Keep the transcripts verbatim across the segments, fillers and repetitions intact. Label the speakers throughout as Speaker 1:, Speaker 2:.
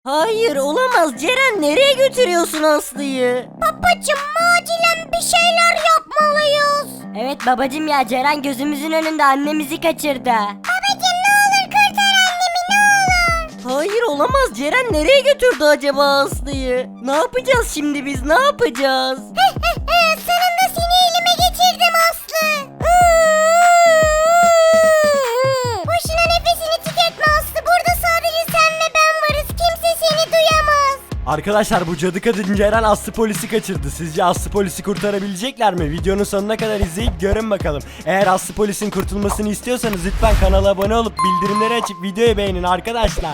Speaker 1: Hayır olamaz Ceren, nereye götürüyorsun Aslı'yı?
Speaker 2: Babacım acilen bir şeyler yapmalıyız.
Speaker 1: Evet babacım ya, Ceren gözümüzün önünde annemizi kaçırdı.
Speaker 2: Babacım ne olur kurtar annemi ne olur.
Speaker 1: Hayır olamaz Ceren, nereye götürdü acaba Aslı'yı? Ne yapacağız şimdi biz, ne yapacağız?
Speaker 2: Sonunda seni elime geçirdim Aslı. Boşuna nefesini tüketme Aslı. Burada sadece sen ve ben varız. Kimse seni duyamaz.
Speaker 3: Arkadaşlar bu cadı kadın Ceren Aslı polisi kaçırdı. Sizce Aslı polisi kurtarabilecekler mi? Videonun sonuna kadar izleyip görün bakalım. Eğer Aslı polisin kurtulmasını istiyorsanız lütfen kanala abone olup bildirimleri açıp videoyu beğenin arkadaşlar.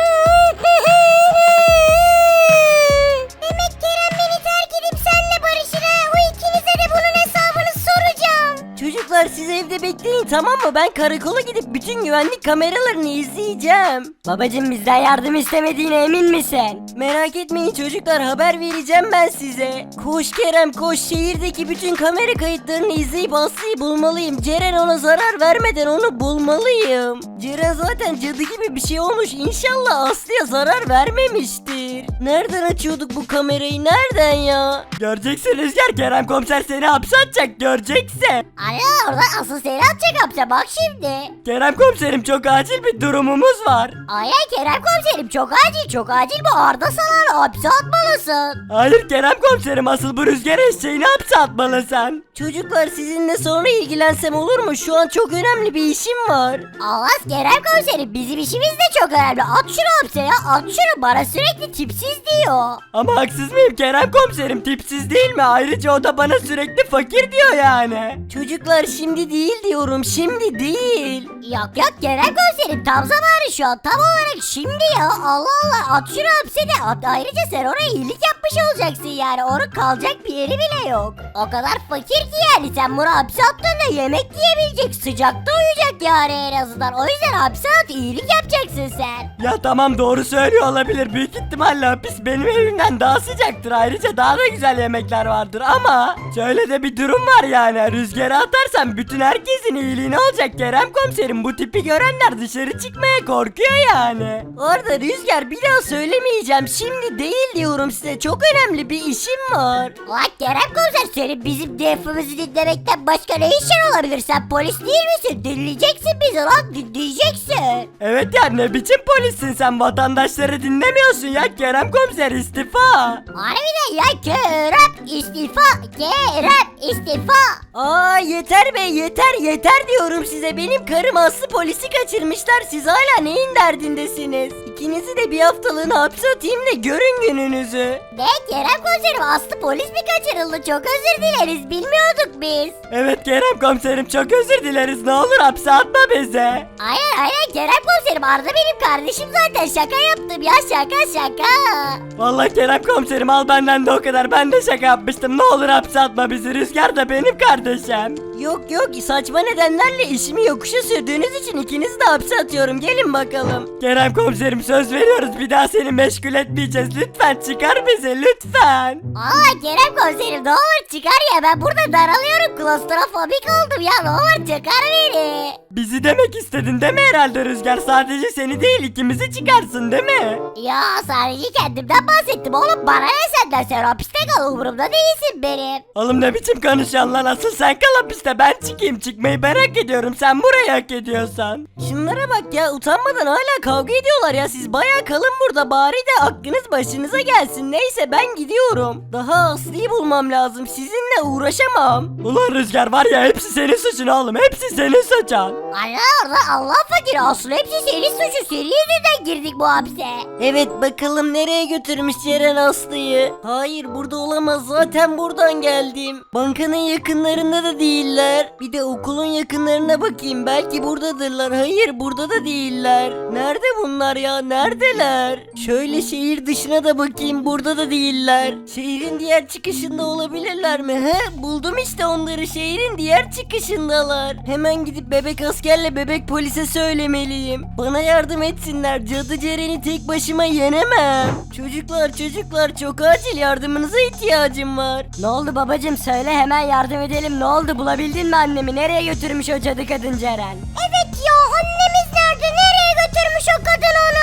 Speaker 2: Demek Kerem beni terk edip senle barışır ha. O ikinize de bunun hesabını soracağım.
Speaker 1: Çocuklar siz evde bekleyin, tamam mı? Ben karakola gidip bütün güvenlik kameralarını izleyeceğim. Babacım bizden yardım istemediğine emin misin? Merak etmeyin çocuklar, haber vereceğim ben size. Koş Kerem koş, şehirdeki bütün kamera kayıtlarını izleyip Aslı'yı bulmalıyım. Ceren ona zarar vermeden onu bulmalıyım. Ceren zaten cadı gibi bir şey olmuş, İnşallah Aslı'ya zarar vermemiştir. Nereden açıyorduk bu kamerayı, nereden ya?
Speaker 3: Göreceksin Rüzgar, Kerem komiser seni hapse atacak, göreceksin.
Speaker 2: Ana orada asıl seni atacak hapse bak şimdi.
Speaker 3: Kerem komiserim çok acil bir durumumuz var.
Speaker 2: Ay ay Kerem komiserim çok acil çok acil bu Arda Salan'ı hapse atmalısın.
Speaker 3: Hayır Kerem komiserim, asıl bu Rüzgar eşeğini hapse atmalısın.
Speaker 1: Çocuklar sizinle sonra ilgilensem olur mu? Şu an çok önemli bir işim var.
Speaker 2: Allah Kerem komiserim bizim işimiz de çok önemli. At şunu hapse ya at şunu, bana sürekli tipsiz diyor.
Speaker 3: Ama haksız mıyım Kerem komiserim, tipsiz değil mi? Ayrıca o da bana sürekli fakir diyor yani.
Speaker 1: Çocuklar şimdi değil diyorum, şimdi değil.
Speaker 2: Yok yok Kerem komiserim tam zamanı şu an tam olarak şimdi ya. Allah Allah at şunu hapse de at. Ayrıca sen ona iyilik yapmış olacaksın yani. Onun kalacak bir yeri bile yok. O kadar fakir ki yani sen bunu hapse attığında yemek yiyebilecek, sıcakta uyuyacak yani en azından. O yüzden hapse at, iyilik yapacaksın sen.
Speaker 3: Ya tamam doğru söylüyor olabilir, büyük ihtimalle hapis benim evimden daha sıcaktır, ayrıca daha da güzel yemekler vardır ama şöyle de bir durum var yani, rüzgara atarsam bütün herkesin iyiliğine olacak Kerem komiserim, bu tipi görenler dışarı çıkmaya korkuyor yani.
Speaker 1: Orada Rüzgar, bir daha söylemeyeceğim, şimdi değil diyorum size, çok önemli bir işim var.
Speaker 2: Ulan Kerem komiser senin bizim defimizi dinlemekten başka ne işin olabilir? Sen polis değil misin? Dinleyeceksin bizi lan, dinleyeceksin.
Speaker 3: Evet ya, ne biçim polissin sen, vatandaşları dinlemiyorsun ya Kerem komiser, istifa.
Speaker 2: Harbiden ya Kerem istifa, Kerem istifa.
Speaker 1: Aa yeter be, yeter yeter diyorum size, benim karım Aslı polisi kaçırmışlar, siz hala neyin derdindesiniz? İkinizi de bir haftalığına hapse atayım da görün gününüzü.
Speaker 2: Ne Kerem komiserim Aslı polis mi kaçırıldı? Çok özür dileriz bilmiyorduk biz.
Speaker 3: Evet Kerem komiserim, çok özür dileriz, ne olur hapse atma bizi.
Speaker 2: Aynen aynen Kerem komiserim Arda benim kardeşim zaten, şaka yaptım ya, şaka şaka.
Speaker 3: Vallahi Kerem komiserim al benden de o kadar, ben de şaka yapmıştım, ne olur hapse atma bizi, Rüzgar da benim kardeşim.
Speaker 1: Yok yok, saçma nedenlerle işimi yokuşa sürdüğünüz için ikinizi de hapse atıyorum, gelin bakalım.
Speaker 3: Kerem komiserim söz veriyoruz, bir daha seni meşgul etmeyeceğiz, lütfen çıkar bizi lütfen.
Speaker 2: Aa Kerem komiserim ne olur çıkar ya, ben burada daralıyorum, klostrofobik oldum ya, ne olur çıkar beni.
Speaker 3: Bizi demek istedin değil mi herhalde Rüzgar, sadece seni değil ikimizi çıkarsın değil mi?
Speaker 2: Ya sadece kendimden bahsettim oğlum, bana ne senden, sen hapiste kal, umurumda değilsin benim.
Speaker 3: Oğlum ne biçim konuşuyorsun lan, asıl sen kal hapiste, ben çıkayım, çıkmayı merak ediyorum, sen burayı hak ediyorsan.
Speaker 1: Şunlara bak ya, utanmadan hala kavga ediyorlar ya, siz baya kalın burada, bari de aklınız başınıza gelsin. Neyse ben gidiyorum, daha Aslı'yı bulmam lazım, sizinle uğraşamam.
Speaker 3: Ulan Rüzgar var ya, hepsi senin suçun oğlum, hepsi senin suçun.
Speaker 2: Allah orada Allah fakiri Aslı, hepsi senin suçu, senin yüzünden girdik bu hapse.
Speaker 1: Evet bakalım nereye götürmüş Ceren Aslı'yı. Hayır burada olamaz, zaten buradan geldim. Bankanın yakınlarında da değiller. Bir de okulun yakınlarına bakayım, belki buradadırlar. Hayır burada da değiller. Nerede bunlar ya, neredeler? Şöyle şehir dışına da bakayım, burada da değiller. Şehrin diğer çıkışında olabilirler mi? He buldum işte onları, şehrin diğer çıkışındalar. Hemen gidip bebek askerle bebek polise söylemeliyim. Bana yardım etsinler, cadı Ceren'i tek başıma yenemem. Çocuklar çocuklar çok acil yardımınıza ihtiyacım var.
Speaker 2: Ne oldu babacım, söyle hemen yardım edelim, ne oldu, bulabildin mi annemi, nereye götürmüş o cadı kadın Ceren? Evet ya annemiz nerede, nereye götürmüş o kadın onu?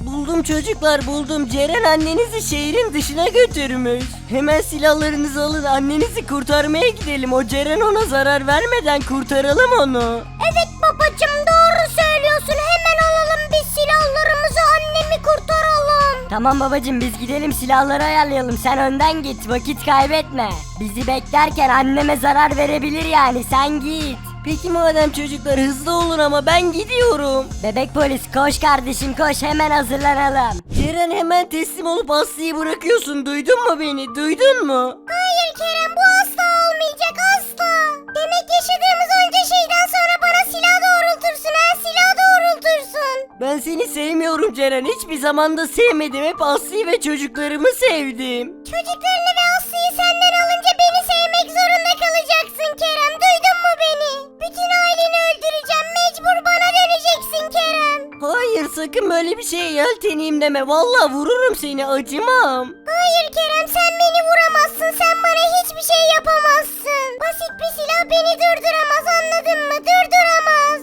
Speaker 1: Buldum çocuklar buldum. Ceren annenizi şehrin dışına götürmüş. Hemen silahlarınızı alın, annenizi kurtarmaya gidelim. O Ceren ona zarar vermeden kurtaralım onu.
Speaker 2: Evet babacım, doğru söylüyorsun. Hemen alalım biz silahlarımızı, annemi kurtaralım.
Speaker 4: Tamam babacım, biz gidelim silahları ayarlayalım, sen önden git, vakit kaybetme. Bizi beklerken anneme zarar verebilir yani, sen git.
Speaker 1: Peki madem çocuklar, hızlı olun ama ben gidiyorum.
Speaker 4: Bebek polis koş kardeşim koş, hemen hazırlanalım.
Speaker 1: Ceren hemen teslim olup Aslı'yı bırakıyorsun, duydun mu beni, duydun mu?
Speaker 2: Hayır Kerem, bu asla olmayacak, asla. Demek yaşadığımız onca şeyden sonra bana silah doğrultursun ha, silah doğrultursun.
Speaker 1: Ben seni sevmiyorum Ceren, hiçbir zaman da sevmedim, hep Aslı'yı ve çocuklarımı sevdim.
Speaker 2: Çocuklarını ve Aslı'yı senden alınca beni sevmek zorunda kalacaksın Kerem, duydun mu beni? Bütün aileni öldüreceğim, mecbur bana döneceksin Kerem.
Speaker 1: Hayır, sakın böyle bir şeye yelteneyim deme, vallahi vururum seni, acımam.
Speaker 2: Hayır Kerem, sen beni vuramazsın, sen bana hiçbir şey yapamazsın. Basit bir silah beni durduramaz, anladın mı? Durduramaz.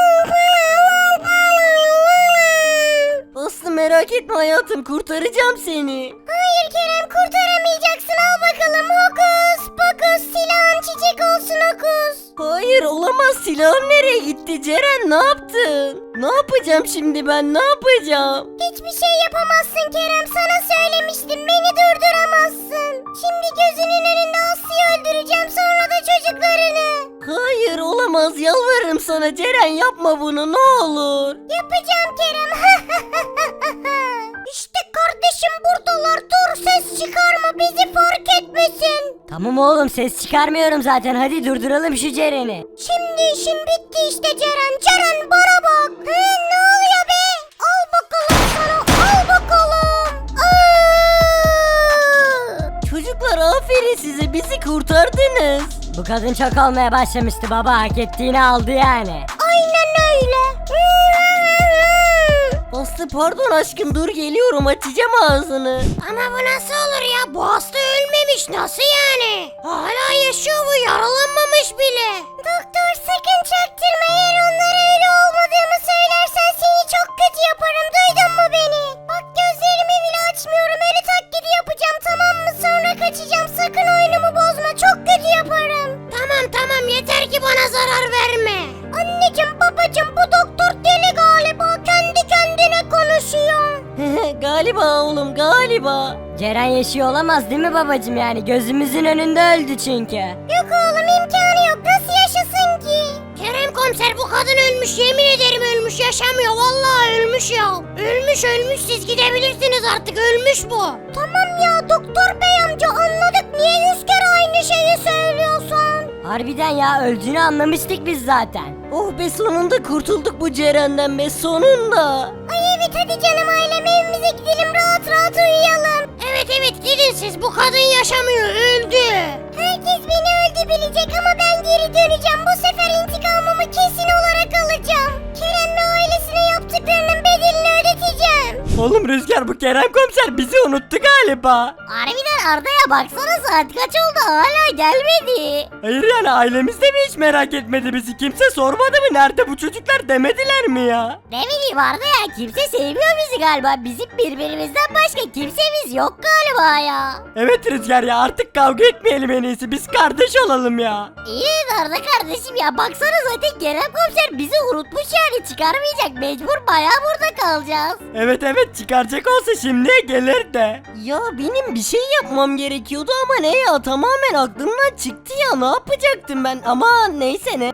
Speaker 1: Aslı merak etme hayatım, kurtaracağım seni.
Speaker 2: Hayır Kerem, kurtaramayacaksın, al bakalım, hokus pokus, silahın çiçek olsun hokus.
Speaker 1: Hayır olamaz, silahım nereye gitti Ceren, ne yaptın? Ne yapacağım şimdi ben, ne yapacağım?
Speaker 2: Hiçbir şey yapamazsın Kerem, sana söylemiştim, beni durduramazsın. Şimdi gözünün önünde Aslı'yı öldüreceğim, sonra da çocuklarını.
Speaker 1: Hayır olamaz, yalvarırım sana Ceren, yapma bunu ne olur.
Speaker 2: Yapacağım Kerem. İşte kardeşim buradalar, dur ses çıkarma, bizi fark etmesin.
Speaker 4: Tamam oğlum, ses çıkarmıyorum zaten, hadi durduralım şu Ceren'i.
Speaker 2: Şimdi işim bitti işte Ceren. Ceren bana bak. He, ne oluyor be? Al bakalım sana, al bakalım. Aa!
Speaker 1: Çocuklar aferin size, bizi kurtardınız.
Speaker 4: Bu kadın çok olmaya başlamıştı baba, hak ettiğini aldı yani.
Speaker 2: Aynen öyle.
Speaker 1: Aslı pardon aşkım, dur geliyorum, açacağım ağzını.
Speaker 2: Ama bu nasıl olur ya? Bu hasta ölmemiş, nasıl yani? Hala yaşıyor bu, yaralanmamış bile. Doktor sakın çaktırma, eğer onlara öyle olmadığımı söylersen seni çok kötü yaparım, duydun mu beni? Bak gözlerimi bile açmıyorum, ölü taklidi yapacağım, tamam mı? Sonra kaçacağım, sakın oyunumu bozma, çok kötü yaparım. Tamam tamam, yeter ki bana zarar verme. Anneciğim babacığım, bu doktor deli galiba, kendi kendine konuşuyor.
Speaker 1: Galiba oğlum, galiba.
Speaker 4: Ceren yaşıyor olamaz değil mi babacım, yani gözümüzün önünde öldü çünkü.
Speaker 2: Yok oğlum, imkanı yok, nasıl yaşasın ki? Kerem komiser, bu kadın ölmüş, yemin ederim ölmüş, yaşamıyor, vallahi ölmüş ya. Ölmüş ölmüş, siz gidebilirsiniz artık, ölmüş bu. Tamam ya doktor bey amca, anladık, niye yüz kere aynı şeyi söylüyorsun?
Speaker 4: Harbiden ya, öldüğünü anlamıştık biz zaten.
Speaker 1: Oh be, sonunda kurtulduk bu Ceren'den be, sonunda.
Speaker 2: Ay evet, hadi canım ailem, evimize gidelim, rahat rahat uyuyalım. Evet evet, gidin siz, bu kadın yaşamıyor, öldü. Herkes beni öldü bilecek ama ben geri döneceğim, bu sefer intikamımı kesin olarak alacağım. Kerem ve ailesine yaptıklarının bedelini ödeteceğim.
Speaker 3: Oğlum Rüzgar, bu Kerem komiser bizi unuttu galiba.
Speaker 2: Harbiden Arda'ya baksana, saat kaç oldu hala gelmedi.
Speaker 3: Hayır yani, ailemiz de mi hiç merak etmedi bizi? Kimse sormadı mı, nerede bu çocuklar demediler mi ya?
Speaker 2: Ne bileyim Arda ya, kimse sevmiyor bizi galiba, bizim birbirimizden başka kimsemiz yok galiba ya.
Speaker 3: Evet Rüzgar ya, artık kavga etmeyelim en iyisi, biz kardeş olalım ya.
Speaker 2: İyi Arda kardeşim ya, baksana zaten Kerem komiser bizi unutmuş yani, çıkarmayacak, mecbur bayağı burada kalacağız.
Speaker 3: Evet evet, çıkaracak olsa şimdiye gelir de.
Speaker 1: Ya benim bir şey yapmam gerekiyordu ama ne ya, tamamen aklımdan çıktı ya, ne yapacaktım ben, ama neyse ne.